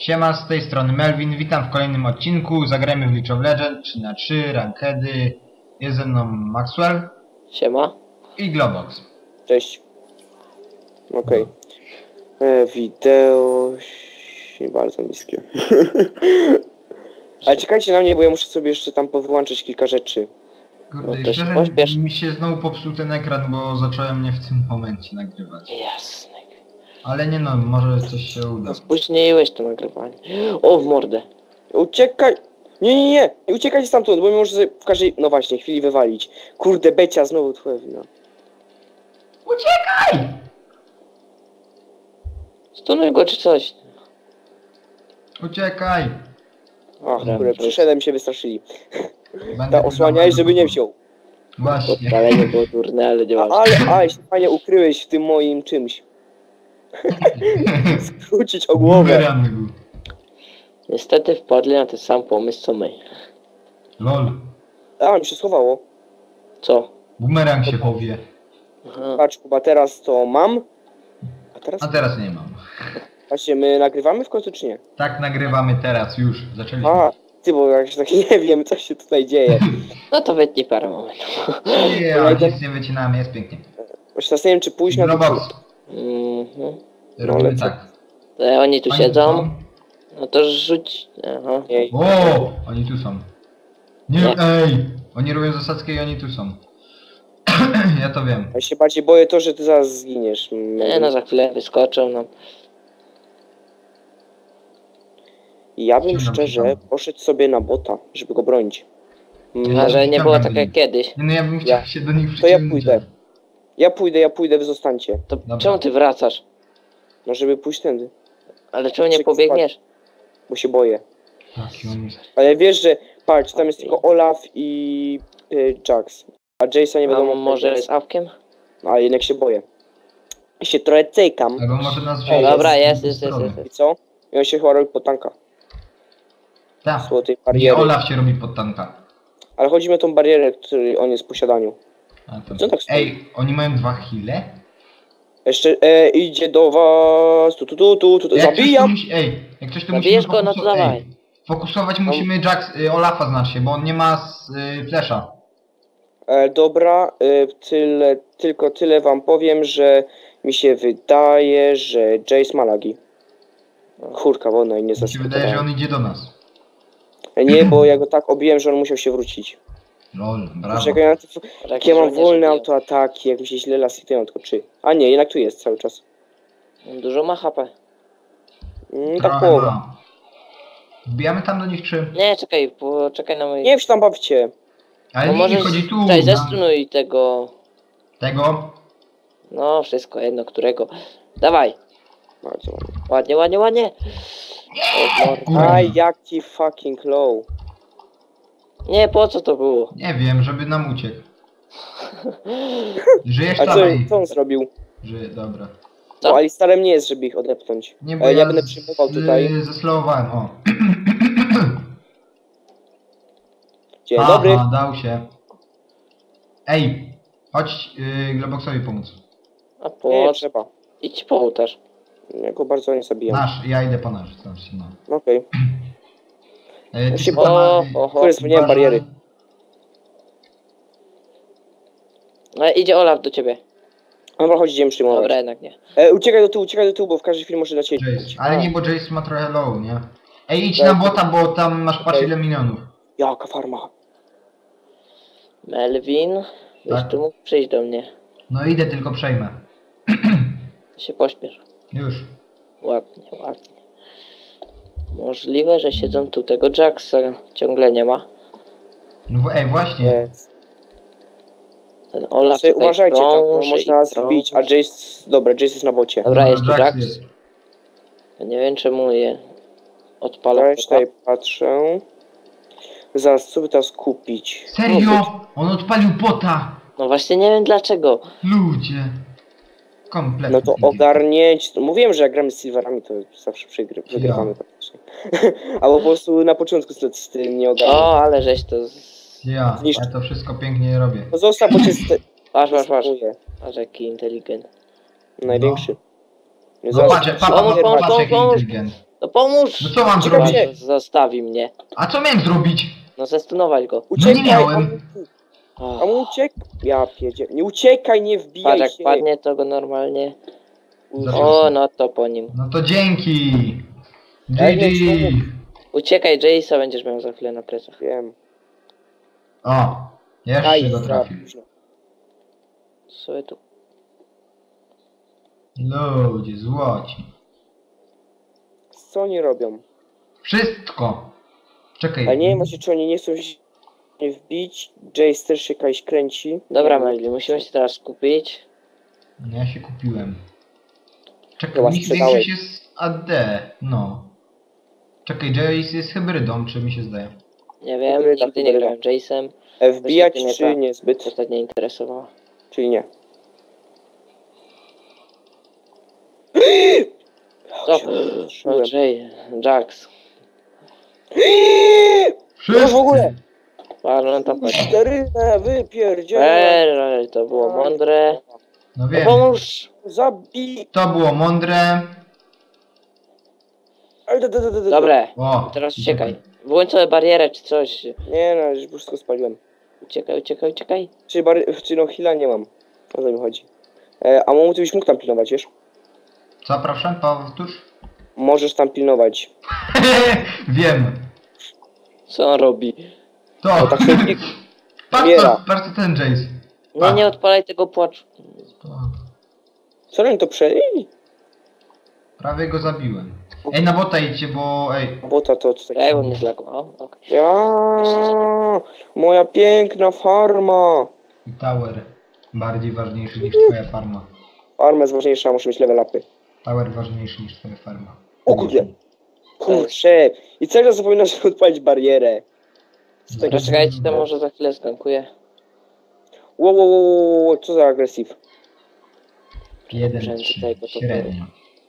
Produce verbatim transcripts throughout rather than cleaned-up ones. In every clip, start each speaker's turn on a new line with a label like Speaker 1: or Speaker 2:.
Speaker 1: Siema, z tej strony Melvin, witam w kolejnym odcinku. Zagrajmy w League of Legends trzy na trzy, rankedy. Jest ze mną Maxwell.
Speaker 2: Siema.
Speaker 1: I Globox.
Speaker 3: Cześć. Okej. Okay. E, wideo... nie bardzo niskie. Ale czekajcie na mnie, bo ja muszę sobie jeszcze tam powyłączyć kilka rzeczy.
Speaker 1: Kurde,
Speaker 2: No to się
Speaker 1: szczerze,
Speaker 2: pośpiesz.
Speaker 1: mi się znowu popsuł ten ekran, bo zacząłem nie w tym momencie nagrywać.
Speaker 2: Jasne.
Speaker 1: Ale nie no, może coś się uda.
Speaker 2: No spóźniłeś to nagrywanie. O, w mordę.
Speaker 3: Uciekaj! Nie, nie, nie! Nie uciekaj stamtąd, bo mi może w każdej... no właśnie, chwili wywalić. Kurde, Becia, znowu twoja wina.
Speaker 1: Uciekaj!
Speaker 2: Stunuj go czy coś.
Speaker 1: Uciekaj!
Speaker 3: Ach,
Speaker 2: Dobra,
Speaker 3: kurde,
Speaker 2: to
Speaker 3: przyszedłem, się wystraszyli.
Speaker 1: Będę
Speaker 3: Ta osłaniaj, żeby nie wziął.
Speaker 1: Właśnie.
Speaker 2: Podpalenie było durne, ale
Speaker 3: A,
Speaker 2: działało.
Speaker 3: ale, ale się fajnie ukryłeś w tym moim czymś. Skrócić o głowę.
Speaker 1: Bumerang był.
Speaker 2: Niestety wpadli na ten sam pomysł co my.
Speaker 1: Lol.
Speaker 3: A, mi się schowało.
Speaker 2: Co?
Speaker 1: Bumerang się powie.
Speaker 2: Aha.
Speaker 3: Patrz, Kuba, teraz to mam. A teraz...
Speaker 1: A teraz nie mam.
Speaker 3: Właśnie, my nagrywamy w końcu, czy nie?
Speaker 1: Tak nagrywamy teraz, już. Zaczęliśmy.
Speaker 3: A, ty, bo jak tak nie wiem, co się tutaj dzieje.
Speaker 2: No to wytnij parę momentów.
Speaker 1: Nie, ale nic nie wycinamy, jest pięknie.
Speaker 3: Właśnie teraz nie wiem, czy pójść na to...
Speaker 1: Globox.
Speaker 2: Mhm.
Speaker 1: Robimy
Speaker 3: lecę.
Speaker 1: tak.
Speaker 2: To oni tu
Speaker 1: Oni
Speaker 2: siedzą.
Speaker 1: są.
Speaker 2: No to rzuć. Aha.
Speaker 3: Nie,
Speaker 1: O, oni tu są. Nie,
Speaker 2: Nie.
Speaker 1: ej! Oni robią zasadzkę i oni tu są. Ja to wiem.
Speaker 3: ja się bardziej boję to, że ty zaraz zginiesz.
Speaker 2: Nie no, za chwilę wyskoczą no.
Speaker 3: Ja bym
Speaker 1: Ściągam,
Speaker 3: szczerze
Speaker 1: ściągam.
Speaker 3: poszedł sobie na bota, żeby go bronić. Mm,
Speaker 1: Ja
Speaker 2: A że nie
Speaker 1: ściągam
Speaker 2: było
Speaker 1: do
Speaker 2: tak jak
Speaker 1: nich.
Speaker 2: kiedyś.
Speaker 1: Nie, no ja bym chciał
Speaker 3: Ja-
Speaker 1: się do nich
Speaker 3: To ja
Speaker 1: przyciągnąć.
Speaker 3: pójdę. Ja pójdę, ja pójdę, wy zostańcie.
Speaker 2: To
Speaker 1: Dobra.
Speaker 2: czemu ty wracasz?
Speaker 3: No żeby pójść tędy,
Speaker 2: Ale czemu nie
Speaker 3: Czek-
Speaker 2: pobiegniesz?
Speaker 3: bo się boję.
Speaker 1: Taki on jest.
Speaker 3: Ale wiesz, że patrz, tam jest tylko Olaf i y, Jax. A Jace'a nie
Speaker 2: A
Speaker 3: wiadomo.
Speaker 2: może
Speaker 3: kto
Speaker 2: jest awkiem?
Speaker 3: A jednak się boję. I się trochę cejkam.
Speaker 1: Albo może nas
Speaker 2: O,
Speaker 1: wziąć.
Speaker 2: dobra,
Speaker 1: z
Speaker 2: jest,
Speaker 1: tej
Speaker 2: jest, jest,
Speaker 1: strony.
Speaker 2: jest.
Speaker 3: I co? I on się chyba robi pod tanka.
Speaker 1: Tak.
Speaker 3: Złotej
Speaker 1: Nie,
Speaker 3: bariery.
Speaker 1: Olaf się robi pod tanka.
Speaker 3: Ale chodzi mi o tą barierę, której on jest w posiadaniu.
Speaker 1: A to...
Speaker 3: Co tak stoi?
Speaker 1: Ej, oni mają dwa heale?
Speaker 3: Jeszcze e, idzie do was. Tu, tu, tu, tu, tu.
Speaker 1: Jak coś tu
Speaker 3: Zabijam!
Speaker 1: musi, ej, jak coś tu
Speaker 2: Zabijesz
Speaker 1: musimy
Speaker 2: go, no to
Speaker 1: fokuso-
Speaker 2: dawaj.
Speaker 1: ej, fokusować musimy Jax, y, Olafa znacznie, bo on nie ma s, y, flesza.
Speaker 3: E, dobra, e, tyle, tylko tyle wam powiem, że mi się wydaje, że Jace ma lagi. Kurka wodna i nie
Speaker 1: Mi się wydaje, że
Speaker 3: zaskakowałem.
Speaker 1: on idzie do nas.
Speaker 3: E, Nie, bo ja go tak obiłem, że on musiał się wrócić.
Speaker 1: Lol, brawo.
Speaker 3: Czekaj na to,
Speaker 2: Tak,
Speaker 3: jak ja mam
Speaker 2: żołnierze
Speaker 3: wolne
Speaker 2: biją.
Speaker 3: autoataki, jak mi się źle lasytują, tylko czy. A nie, jednak tu jest cały czas.
Speaker 2: Dużo ma H P.
Speaker 3: Mm, tak
Speaker 1: Trochę
Speaker 3: połowa.
Speaker 1: ma. Wbijamy tam do nich czy...
Speaker 2: Nie, czekaj, poczekaj na moje...
Speaker 3: Nie wiem, czy tam bawcie.
Speaker 1: Ale
Speaker 2: No
Speaker 1: nie,
Speaker 2: może
Speaker 1: chodzi tu
Speaker 2: Cześć,
Speaker 1: na
Speaker 2: zestrunuj tego...
Speaker 1: tego.
Speaker 2: No, wszystko jedno, którego. Dawaj.
Speaker 3: Bardzo ładnie.
Speaker 2: Ładnie, ładnie, ładnie. O, mor-
Speaker 1: Kurwa.
Speaker 3: Aj, jaki fucking low.
Speaker 2: Nie, po co to było?
Speaker 1: Nie wiem, żeby nam uciekł. Żyjesz
Speaker 3: A
Speaker 1: tam,
Speaker 3: co,
Speaker 1: ej.
Speaker 3: co on zrobił?
Speaker 1: Żyje, dobra.
Speaker 2: Co?
Speaker 3: No, Alistarem nie jest, żeby ich odepchnąć.
Speaker 1: Nie, bo
Speaker 3: E,
Speaker 1: ja,
Speaker 3: ja będę
Speaker 1: z-
Speaker 3: przyjmował tutaj.
Speaker 1: zeslowowałem, o.
Speaker 3: Dzień
Speaker 1: Aha,
Speaker 3: dobry.
Speaker 1: dał się. Ej, chodź yy, Globoxowi pomóc.
Speaker 2: A
Speaker 3: Nie,
Speaker 2: po...
Speaker 3: trzeba.
Speaker 2: Idź po ołtarz.
Speaker 3: Ja go bardzo nie zabijam.
Speaker 1: Nasz, ja idę po nasz, znaczy no.
Speaker 3: Okej.
Speaker 1: E, ty
Speaker 3: się
Speaker 1: chyba
Speaker 2: O,
Speaker 1: ma-
Speaker 2: oho.
Speaker 3: Kurde, zmieniłem bariery.
Speaker 2: No, idzie Olaf do ciebie.
Speaker 3: Dobra, chodź, idziemy przyjmować.
Speaker 2: Dobra, jednak nie.
Speaker 3: E, uciekaj do tyłu, uciekaj do tyłu, bo w każdej chwili może na ciebie.
Speaker 1: Jace. Ale nie, bo Jace ma trochę low, nie? Ej, idź
Speaker 3: Tak.
Speaker 1: na bota, bo tam masz patrz
Speaker 3: Okej.
Speaker 1: ile minionów.
Speaker 3: Jaka farma.
Speaker 2: Melvin, byś
Speaker 1: Tak.
Speaker 2: tu mógł przyjść do mnie.
Speaker 1: No idę, tylko przejmę.
Speaker 2: Się pośpiesz.
Speaker 1: Już.
Speaker 2: Ładnie, ładnie. Możliwe, że siedzą tu tego Jacksa. Ciągle nie ma.
Speaker 1: No w- ej, właśnie.
Speaker 3: Nie.
Speaker 2: Ten Olaf
Speaker 3: Znaczy,
Speaker 2: tutaj
Speaker 3: uważajcie, tam
Speaker 2: krąży
Speaker 3: można
Speaker 2: i
Speaker 3: nas
Speaker 2: krąży.
Speaker 3: wbić, a Jace... Dobra, Jace jest na bocie.
Speaker 2: Dobra, jest tu
Speaker 1: Jax
Speaker 2: Jax.
Speaker 1: jest.
Speaker 2: Ja nie wiem czemu je odpala.
Speaker 3: Ja tutaj patrzę. Zaraz, co by teraz kupić? No,
Speaker 1: Serio? On odpalił bota!
Speaker 2: No właśnie nie wiem dlaczego.
Speaker 1: Ludzie. Kompletnie.
Speaker 3: No to ogarnięć. Mówiłem, że jak gramy z Silverami, to zawsze przegry, wygrywamy praktycznie. Albo po prostu na początku z, z tym nie ogarnię.
Speaker 2: O, ale żeś to... Z...
Speaker 1: Ja,
Speaker 3: Zniszcz-
Speaker 1: ja to wszystko pięknie robię.
Speaker 3: No zostaw, bo cię st-
Speaker 2: Patrz, patrz, patrz.
Speaker 3: stopuje.
Speaker 2: Patrz jaki inteligent.
Speaker 3: Największy.
Speaker 1: No
Speaker 3: Zaraz-
Speaker 1: patrz, patrz,
Speaker 2: Pomóż,
Speaker 1: patrz,
Speaker 2: pomóż,
Speaker 1: patrz, jaki
Speaker 2: pomóż.
Speaker 1: inteligent.
Speaker 2: No pomóż!
Speaker 1: No co mam
Speaker 3: Czekaj,
Speaker 1: zrobić?
Speaker 3: czekaj.
Speaker 2: Zostawi mnie.
Speaker 1: A co miałem zrobić?
Speaker 2: No zestunować go.
Speaker 1: No
Speaker 3: Uciekaj,
Speaker 1: nie miałem.
Speaker 3: Amuku.
Speaker 2: Oh.
Speaker 3: Amu uciek... Ja pierdzie... Nie uciekaj, nie wbijaj
Speaker 2: Patrz jak
Speaker 3: się.
Speaker 2: padnie to go normalnie.
Speaker 1: Zaraz.
Speaker 2: O, no to po nim.
Speaker 1: No to dzięki.
Speaker 3: Ej,
Speaker 1: G
Speaker 3: nie,
Speaker 1: G.
Speaker 3: czemu?
Speaker 2: Uciekaj, Jace'a będziesz miał za chwilę na plecach.
Speaker 3: Wiem.
Speaker 1: O, jeszcze
Speaker 3: Aj,
Speaker 1: go
Speaker 3: za
Speaker 1: trafił.
Speaker 3: późno.
Speaker 2: Sobie tu.
Speaker 1: Ludzie, złoci.
Speaker 3: Co oni robią?
Speaker 1: Wszystko. Czekaj.
Speaker 3: Ale nie wiem właśnie, czy oni nie chcą się wbić. Jace też się jakaś kręci.
Speaker 2: Dobra,
Speaker 3: Nie wiem.
Speaker 2: Melvin, musimy się teraz skupić.
Speaker 1: No ja się kupiłem. Czekaj,
Speaker 3: Chyba
Speaker 1: u nich
Speaker 3: sprzedałeś.
Speaker 1: większość jest A D. No. Czekaj, Jace jest hybrydą, czy mi się zdaje?
Speaker 2: Nie wiem,
Speaker 3: Hybryda,
Speaker 2: nigdy nie
Speaker 3: hybryda.
Speaker 2: grałem Jace'em.
Speaker 3: E, Wbijać
Speaker 2: Właśnie
Speaker 3: czy
Speaker 2: mnie ta-
Speaker 3: niezbyt?
Speaker 2: Ostatnio interesowało.
Speaker 3: Czyli nie.
Speaker 2: Co?
Speaker 3: się
Speaker 2: No,
Speaker 3: zatrzymałem.
Speaker 2: Jay, Jax.
Speaker 1: Wszyscy.
Speaker 3: No w ogóle!
Speaker 2: Ale on tam chodzi.
Speaker 3: Czterynę, wypierdzielę!
Speaker 2: Eee, to było mądre.
Speaker 1: No
Speaker 2: No
Speaker 1: wiem.
Speaker 2: pomóż!
Speaker 3: Zabij!
Speaker 1: To było mądre.
Speaker 3: Ale da, da, da, da, da.
Speaker 2: Dobre,
Speaker 1: O.
Speaker 2: teraz uciekaj. Włącz sobie barierę czy coś.
Speaker 3: Nie no, już wszystko spaliłem.
Speaker 2: Uciekaj, uciekaj, uciekaj.
Speaker 3: Czy, bar... czy no heal'a nie mam. O co mi chodzi. E, a Momu, ty byś mógł tam pilnować, wiesz?
Speaker 1: Co, proszę? Powtórz?
Speaker 3: Możesz tam pilnować.
Speaker 1: Wiem.
Speaker 2: Co on robi?
Speaker 1: To.
Speaker 3: O, tak się klik-
Speaker 1: Patrz
Speaker 3: Biera.
Speaker 1: co, patrz co ten Jace.
Speaker 2: Nie, nie odpalaj tego płaczu.
Speaker 1: To.
Speaker 3: Co oni to przejęli?
Speaker 1: Prawie go zabiłem. Ej, na bota idźcie, bo ej.
Speaker 3: Bota to co
Speaker 2: Ej, on mnie zlagował. Okay.
Speaker 3: Ja, moja piękna farma.
Speaker 1: I tower. Bardziej ważniejszy niż twoja farma.
Speaker 3: Farma jest ważniejsza, muszę mieć level upy.
Speaker 1: Tower ważniejszy niż twoja farma.
Speaker 3: O kurde. Kurczę. I cały czas zapominam, żeby odpalić barierę. Z tego...
Speaker 2: Dobra, czekajcie, to może za chwilę zgankuję.
Speaker 3: Wow, wow, wow, wow, co za agresyw.
Speaker 1: Jeden,
Speaker 2: Rzędy
Speaker 1: trzy,
Speaker 2: tego to
Speaker 1: średnio.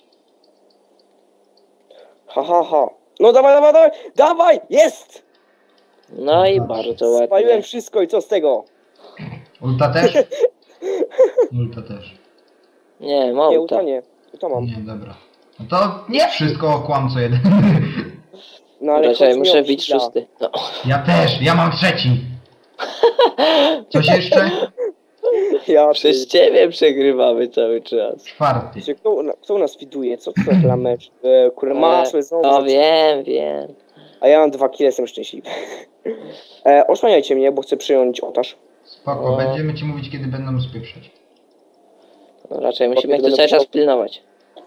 Speaker 3: Ha, ha, ha. No dawaj, dawaj, dawaj, dawaj, jest!
Speaker 2: No i bardzo ładnie.
Speaker 3: Spaliłem wszystko i co z tego?
Speaker 1: Ulta też? Ulta też.
Speaker 2: Nie,
Speaker 3: Nie,
Speaker 2: małta.
Speaker 3: uta nie. Uta mam.
Speaker 1: Nie, dobra. No to nie wszystko kłamco jeden.
Speaker 3: No ale
Speaker 2: Czekaj,
Speaker 3: chodź mi
Speaker 2: muszę
Speaker 3: o
Speaker 2: bić
Speaker 3: chwila.
Speaker 2: szósty. No.
Speaker 1: Ja też, ja mam trzeci. Coś jeszcze?
Speaker 3: Ja
Speaker 2: Przez ciebie przegrywamy cały czas.
Speaker 1: Czwarty.
Speaker 3: Czy kto, kto u nas widuje? Co to za mecz? E, kurde, masło znowu.
Speaker 2: No
Speaker 3: za-
Speaker 2: wiem, wiem.
Speaker 3: A ja mam dwa kile, jestem szczęśliwy. E, osłaniajcie mnie, bo chcę przyjąć ołtarz.
Speaker 1: Spoko,
Speaker 2: O.
Speaker 1: będziemy ci mówić kiedy będą spieprzać.
Speaker 2: No, raczej musimy ich
Speaker 3: będę
Speaker 2: tu cały czas
Speaker 3: musiał-
Speaker 2: pilnować.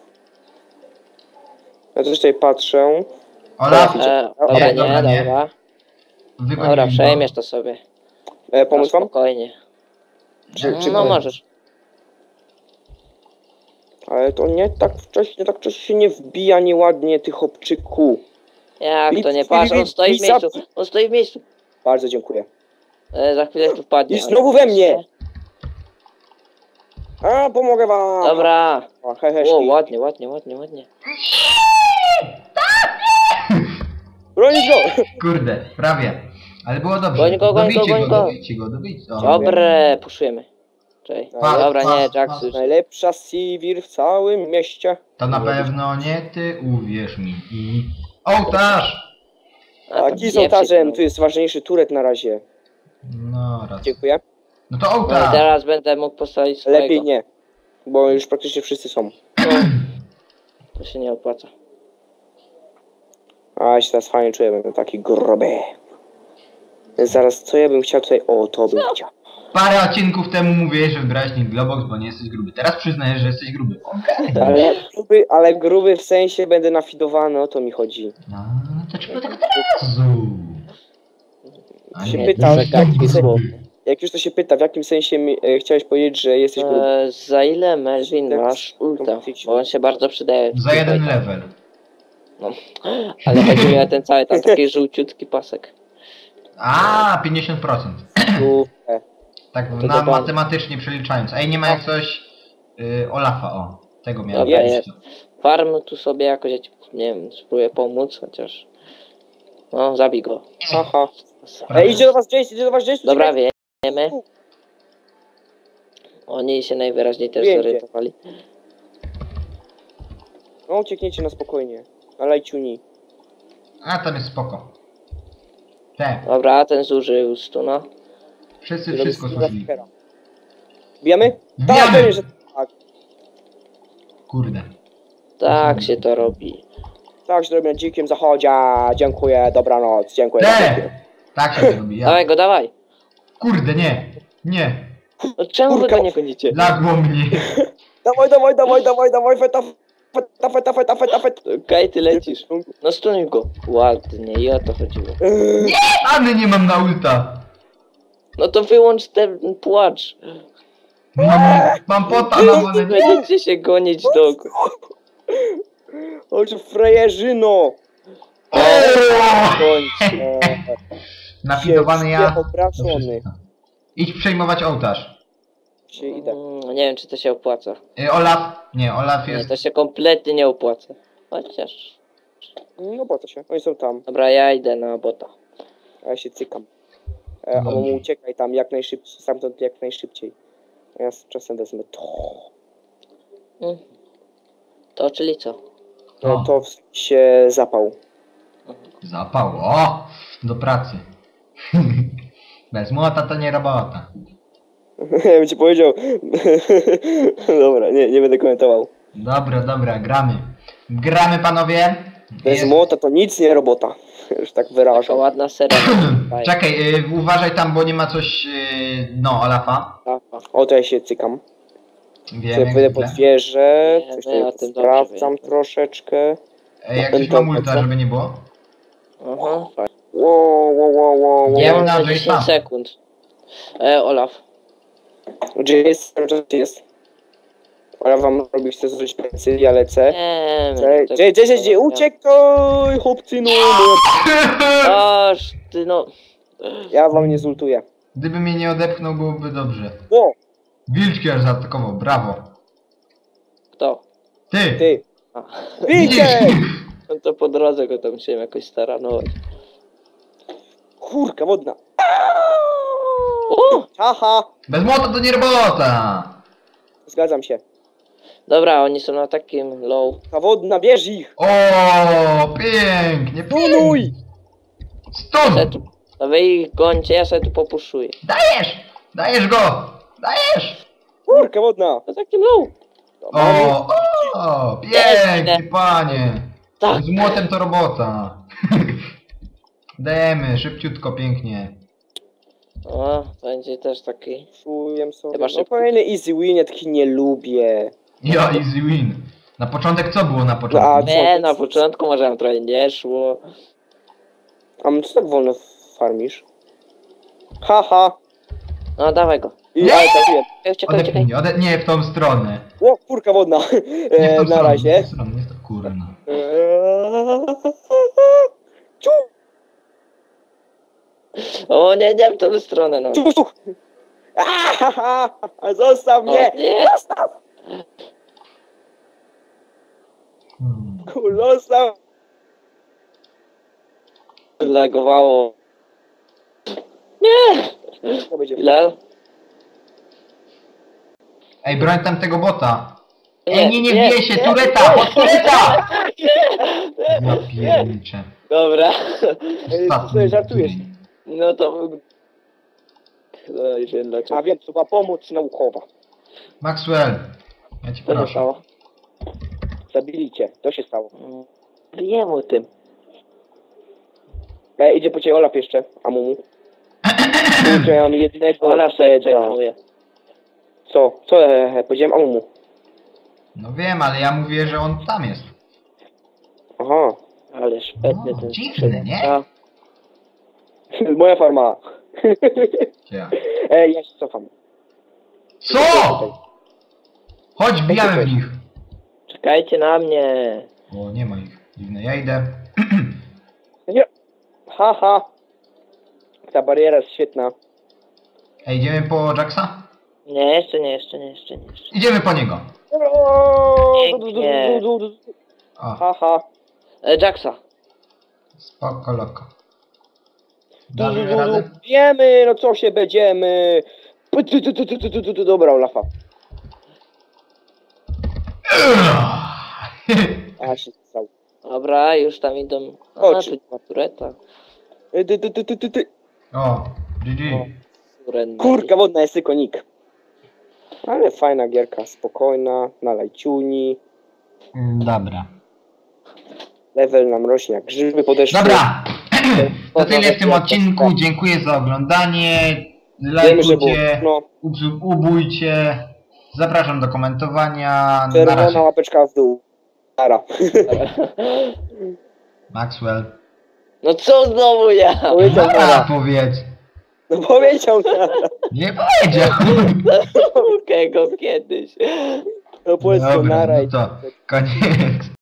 Speaker 3: Ja też tutaj patrzę.
Speaker 1: Olaf,
Speaker 2: E,
Speaker 3: Nie,
Speaker 2: dobra, nie,
Speaker 1: dobra, nie.
Speaker 2: dobra.
Speaker 1: wykonuj
Speaker 2: Dobra,
Speaker 1: go.
Speaker 2: przejmiesz to sobie.
Speaker 3: E, pomóc
Speaker 2: No,
Speaker 3: wam?
Speaker 2: spokojnie.
Speaker 3: Czy, czy
Speaker 2: No możesz.
Speaker 3: Ale to nie tak wcześnie, tak wcześnie się nie wbija nieładnie tych obczyku.
Speaker 2: Jak to nie
Speaker 3: Filip,
Speaker 2: patrz, on
Speaker 3: Filip,
Speaker 2: stoi w
Speaker 3: Filip,
Speaker 2: miejscu. On stoi w miejscu.
Speaker 3: Bardzo dziękuję.
Speaker 2: E, za chwilę tu wpadnie.
Speaker 3: I znowu we mnie! A, pomogę wam!
Speaker 2: Dobra.
Speaker 3: O, he, he,
Speaker 2: O,
Speaker 3: szli.
Speaker 2: ładnie, ładnie, ładnie, ładnie.
Speaker 3: Bronić go!
Speaker 1: Kurde, prawie. Ale było dobrze.
Speaker 2: Goń go, goń go,
Speaker 1: dobijcie
Speaker 2: goń
Speaker 1: go,
Speaker 2: go.
Speaker 1: dobijcie go, dobijcie. O,
Speaker 2: Dobre, puszujemy. Cześć.
Speaker 3: Pa,
Speaker 2: Dobra,
Speaker 1: pa,
Speaker 2: nie,
Speaker 1: pa.
Speaker 2: Jax już.
Speaker 3: Najlepsza Sivir w całym mieście.
Speaker 1: To na pewno nie ty, uwierz mi. I... Ołtarz!
Speaker 2: A,
Speaker 3: A
Speaker 2: to
Speaker 3: kij z
Speaker 2: nie
Speaker 3: ołtarzem,
Speaker 2: przypomnę.
Speaker 3: tu jest ważniejszy turet na razie.
Speaker 1: No raz.
Speaker 3: Dziękuję.
Speaker 1: No to
Speaker 2: No i
Speaker 1: ołtarz!
Speaker 2: teraz będę mógł postawić swojego.
Speaker 3: Lepiej nie. Bo już praktycznie wszyscy są.
Speaker 2: No, to się nie opłaca.
Speaker 3: A ja się teraz fajnie czuję, będę taki gruby. Zaraz, co ja bym chciał tutaj... O, to bym chciał.
Speaker 1: Parę odcinków temu mówiłeś, że wybrałeś nick Globox, bo nie jesteś gruby. Teraz przyznajesz, że jesteś gruby. Okej.
Speaker 3: Ale gruby, ale gruby w sensie będę nafidowany, o to mi chodzi.
Speaker 1: No, to czemu tak od razu? A
Speaker 3: Się
Speaker 1: nie,
Speaker 3: pytał,
Speaker 1: to
Speaker 3: w jakim
Speaker 1: gruby.
Speaker 3: sensie- Jak już to się pyta, w jakim sensie mi, e, chciałeś powiedzieć, że jesteś gruby?
Speaker 2: E, za ile Melvin masz ulta? Bo on się bardzo przydaje.
Speaker 1: Za jeden level.
Speaker 2: Ale chodzi mi o ten cały tam taki żółciutki pasek.
Speaker 1: A, pięćdziesiąt procent.
Speaker 3: Super.
Speaker 1: Tak
Speaker 2: To
Speaker 1: na
Speaker 2: dobra.
Speaker 1: matematycznie przeliczając. Ej, nie ma jak coś... Y, Olafa, o. Tego miałem.
Speaker 2: Dobra,
Speaker 3: jest.
Speaker 2: jest. Farm tu sobie jakoś, ja ci, nie wiem, spróbuję pomóc, chociaż... No, zabij go.
Speaker 3: Aha. Ej, idzie do was Jace, idzie do was Jace.
Speaker 2: Dobra,
Speaker 3: uciekaj.
Speaker 2: wiemy. Oni się najwyraźniej też
Speaker 3: Wiem,
Speaker 2: zorientowali.
Speaker 3: No uciekniecie na spokojnie. Na lajciuni.
Speaker 1: A tam jest spoko. Te,
Speaker 2: Dobra, ten zużył stuna.
Speaker 1: wszyscy wszystko słyszeli.
Speaker 3: Bijamy? Tak,
Speaker 1: Bijamy!
Speaker 3: pewnie, że tak.
Speaker 1: Kurde.
Speaker 2: Tak się to robi.
Speaker 3: Tak, że robię na dzikim zachodzie. Dziękuję, dobranoc, dziękuję.
Speaker 1: Te! Tak się to robi, ja.
Speaker 2: Dawaj go, dawaj.
Speaker 1: Kurde, nie. Nie.
Speaker 2: No czemu wy
Speaker 3: Kurka.
Speaker 2: go nie gonicie?
Speaker 1: Lagło mnie.
Speaker 3: Dawaj, dawaj, dawaj, dawaj, dawaj, feta, feta, feta, feta, feta, feta.
Speaker 2: Okej, ty lecisz. No stunuj go. Ładnie, i o to chodziło.
Speaker 1: Any nie mam na ulta.
Speaker 2: No to wyłącz ten płacz.
Speaker 1: Mam, mam pota na wolę. Nie.
Speaker 2: Będziecie się gonić do...
Speaker 3: Oczy frajerzyno. Kończ.
Speaker 1: Napidowany ja.
Speaker 3: Obrażony.
Speaker 1: Idź przejmować ołtarz.
Speaker 3: Się idę.
Speaker 2: Mm, nie wiem, czy to się opłaca.
Speaker 1: Y, Olaf. Nie, Olaf
Speaker 2: Nie,
Speaker 1: jest.
Speaker 2: to się kompletnie nie opłaca. Chociaż...
Speaker 3: No po co się? Oni są tam.
Speaker 2: Dobra, ja idę na bota.
Speaker 3: A ja się cykam. E, a
Speaker 1: Dobrze.
Speaker 3: mu uciekaj tam jak najszybciej. Stamtąd jak najszybciej. A ja z czasem wezmę to.
Speaker 2: Mm. To czyli co?
Speaker 3: No
Speaker 1: O.
Speaker 3: to w się zapał.
Speaker 1: Zapał. O! Do pracy. Bez młota to nie robota.
Speaker 3: Ja bym ci powiedział. Dobra, nie, nie będę komentował.
Speaker 1: Dobra, dobra, gramy. Gramy, panowie.
Speaker 3: Bez
Speaker 1: Jest-
Speaker 3: młota to nic nie robota. Już tak
Speaker 2: Taka
Speaker 3: wyrażam.
Speaker 2: ładna seria.
Speaker 1: Czekaj, y, uważaj tam, bo nie ma coś. Y, no, Olafa.
Speaker 3: O, to ja się cykam.
Speaker 1: Wiem,
Speaker 3: Sobie
Speaker 1: jak
Speaker 3: wyjdę
Speaker 1: zwykle.
Speaker 3: pod wieżę.
Speaker 2: Nie,
Speaker 3: Coś
Speaker 2: no ja o
Speaker 3: tutaj
Speaker 2: tym dobrze
Speaker 3: sprawdzam
Speaker 2: wiem.
Speaker 3: troszeczkę.
Speaker 1: Ej, jak
Speaker 3: Ten
Speaker 1: ktoś ma
Speaker 3: to-
Speaker 1: multa,
Speaker 3: co?
Speaker 1: żeby nie było.
Speaker 2: Aha, fajnie.
Speaker 3: Wow, wow, wow, wow,
Speaker 1: Nie,
Speaker 3: wow.
Speaker 1: na
Speaker 2: Na
Speaker 1: Jace'a.
Speaker 2: dziesięć sekund. E, Olaf.
Speaker 3: Gdzie jest? Gdzie jest? Ale wam robić chcę zrobić plecy, ja lecę.
Speaker 2: Nie,
Speaker 3: Gdzie, gdzie, gdzie, gdzie? Uciekaj, chłopcy, no.
Speaker 2: Aż ty no.
Speaker 3: Ja wam nie zultuję.
Speaker 1: Gdyby mnie nie odepchnął, byłoby dobrze.
Speaker 3: O,
Speaker 1: Wilczki aż zaatakował, brawo.
Speaker 2: Kto?
Speaker 1: Ty!
Speaker 3: ty.
Speaker 2: A.
Speaker 3: Widzicie!
Speaker 2: No to po drodze go tam się jakoś staranować.
Speaker 3: Kurka wodna.
Speaker 2: O!
Speaker 3: Haha.
Speaker 1: Bez młota to nie robota!
Speaker 3: Zgadzam się.
Speaker 2: Dobra, oni są na takim low.
Speaker 3: Ta wodna, bierz ich.
Speaker 1: O, pięknie,
Speaker 3: Tunuj.
Speaker 1: pięknie.
Speaker 2: Ja
Speaker 1: Stun!
Speaker 2: tu, a wy ich gońcie, ja sobie tu popuszuję.
Speaker 1: Dajesz! Dajesz go! Dajesz!
Speaker 3: Kurka wodna.
Speaker 2: Na takim low.
Speaker 1: O, o, pięknie, panie!
Speaker 2: Tak.
Speaker 1: Z młotem to robota. Dajemy, szybciutko, pięknie.
Speaker 2: O, to będzie też taki.
Speaker 3: Czuję sobie.
Speaker 2: Chyba
Speaker 3: No
Speaker 2: szybko.
Speaker 3: kolejny easy win, ja taki nie lubię.
Speaker 1: Ja, easy win. Na początek co było na
Speaker 3: A,
Speaker 1: początku?
Speaker 2: Nie, na początku może nam trochę nie szło.
Speaker 3: A co tak wolno farmisz? Haha.
Speaker 2: No dawaj go.
Speaker 3: I ale trafiłem.
Speaker 2: Ej, Uciekaj,
Speaker 1: Odepnij
Speaker 2: uciekaj.
Speaker 1: mnie, ode... nie w tą stronę.
Speaker 3: O, kurka wodna.
Speaker 1: Nie w
Speaker 3: E,
Speaker 1: tą
Speaker 3: na
Speaker 1: stronę, nie
Speaker 3: razie.
Speaker 1: w tą stronę, nie w tą kurna.
Speaker 3: Eee, Ciu,
Speaker 2: O nie, nie w tą stronę, no.
Speaker 3: ciu, ciu. Ahaha, zostaw mnie!
Speaker 2: O, nie.
Speaker 3: Zostaw!
Speaker 1: Hmm.
Speaker 3: Kur, Zostaw!
Speaker 2: Lagowało. Nie!
Speaker 3: To będzie
Speaker 2: Ile?
Speaker 1: Ej, broń tam tego bota.
Speaker 2: Nie,
Speaker 1: Ej, nie, nie,
Speaker 2: nie,
Speaker 1: bije się,
Speaker 2: nie,
Speaker 1: tureta, pod tureta! Ja
Speaker 2: Nie.
Speaker 1: pierniczę.
Speaker 2: Dobra.
Speaker 3: Ej, ty sobie żartujesz.
Speaker 2: No to... No i wiem dlaczego.
Speaker 3: A wiem, to była pomoc naukowa.
Speaker 1: Maxwell, ja ci
Speaker 2: Co się
Speaker 1: proszę.
Speaker 2: stało?
Speaker 3: Zabili cię, to się stało.
Speaker 2: Wiem o tym.
Speaker 3: E, idzie po ciebie Olaf jeszcze, a mumu. Kurczę, ja mam jednego
Speaker 2: Ona sobie
Speaker 3: tego.
Speaker 2: czekuje.
Speaker 3: Co? Co e, e, powiedziałem a mumu?
Speaker 1: No wiem, ale ja mówię, że on tam jest.
Speaker 3: Aha.
Speaker 2: Ale szpetny
Speaker 1: No,
Speaker 2: ten
Speaker 1: dziwne, nie?
Speaker 2: A,
Speaker 3: Moja farma.
Speaker 1: Ja.
Speaker 3: e, ja się cofam.
Speaker 1: Co? Chodź, wbijamy w nich.
Speaker 2: czekajcie na mnie.
Speaker 1: O, nie ma ich. Dziwne, ja idę.
Speaker 3: Nie. Haha. Ta bariera jest świetna.
Speaker 1: Ej, idziemy po Jacksa?
Speaker 2: Nie, jeszcze nie, jeszcze nie, jeszcze nie. Jeszcze.
Speaker 1: Idziemy po niego.
Speaker 2: Pięknie.
Speaker 1: O,
Speaker 3: Haha.
Speaker 2: E, Jacksa.
Speaker 1: spoko, loko. Dasz radę?
Speaker 3: Wiemy, no co się będziemy. Pu- tu- tu- tu- tu- tu- tu- tu- tu- Dobra, Olafa. A się stał.
Speaker 2: Dobra, już tam idą. A,
Speaker 3: Chodź.
Speaker 2: tu nie ma tureta.
Speaker 3: Y, ty, ty, ty, ty, ty, ty.
Speaker 1: O, G G.
Speaker 2: O. Surrender.
Speaker 3: Kurka wodna jest tylko nick. Ale fajna gierka, spokojna, na lajciuni.
Speaker 1: Mm, Dobra.
Speaker 3: Level nam rośnie jak grzyby po deszczu.
Speaker 1: Dobra! To tyle w tym odcinku. Dziękuję za oglądanie.
Speaker 3: Wiemy, że było
Speaker 1: Lajkujcie,
Speaker 3: no,
Speaker 1: ubzu- ubójcie. Zapraszam do komentowania. Na
Speaker 3: czerwona
Speaker 1: razie.
Speaker 3: łapeczka w dół. Nara.
Speaker 1: Maxwell.
Speaker 2: No co znowu ja?
Speaker 3: Powiedział
Speaker 1: Nara
Speaker 3: nara.
Speaker 1: powiedz.
Speaker 3: No powiedział nara.
Speaker 1: Nie powiedział.
Speaker 2: Mogę go kiedyś.
Speaker 3: No powiedz to
Speaker 1: Dobra,
Speaker 3: nara
Speaker 1: no
Speaker 3: i
Speaker 1: to koniec.